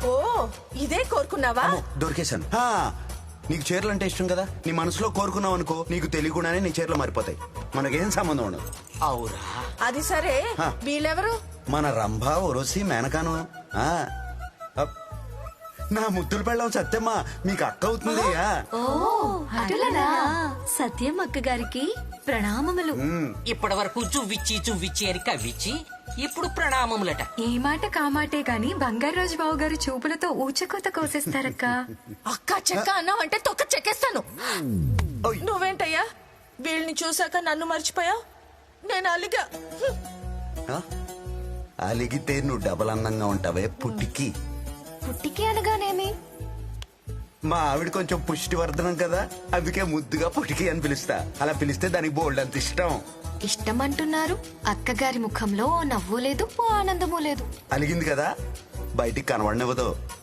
ఓ ఇదే కోరుకున్నావా? దొరికేశాను. నీకు చీరలు అంటే ఇష్టం కదా, నీ మనసులో కోరుకున్నావు అనుకో, నీకు తెలియకుండానే నీ చీరలు మారిపోతాయి. మనకేం సంబంధం ఉండదు. అవురా? అది సరే, వీళ్ళెవరు? మన రంభ ఒరోసి మేనకాను. నా ముద్దులు పెళ్ళం సత్యమ్మ మీకు అక్క అవుతుంది. అటులనా సత్యం అక్క గారికి ప్రణామములు. ఇప్పటి వరకు చువ్విచ్చి అని కవ్విచ్చి ఇప్పుడు ప్రణామములట. ఏ మాట కామాటే గాని బంగారాజు బావు గారు చూపులతో ఊచకోత కోసేస్తారక్క. అక్క చెక్క అన్నావంటే తొక్క చెక్కేస్తాను. నువ్వేంటయ్యా వీళ్ళని చూసాక నన్ను మర్చిపోయావు? నేను అలిగా. అలిగితే నువ్వు డబల్ అందంగా ఉంటావే పుట్టికి. పుట్టికి అనగానేమి? మా ఆవిడ కొంచెం పుష్టివర్ధనం కదా, అందుకే ముద్దుగా పుట్టికి అని పిలుస్తా. అలా పిలిస్తే దానికి బోల్డ్ అంత ఇష్టం. ఇష్టం అంటున్నారు, అక్కగారి ముఖంలో ఓ నవ్వు లేదు, ఓ ఆనందము లేదు. అలిగింది కదా, బయటికి కనబడనివ్వదు.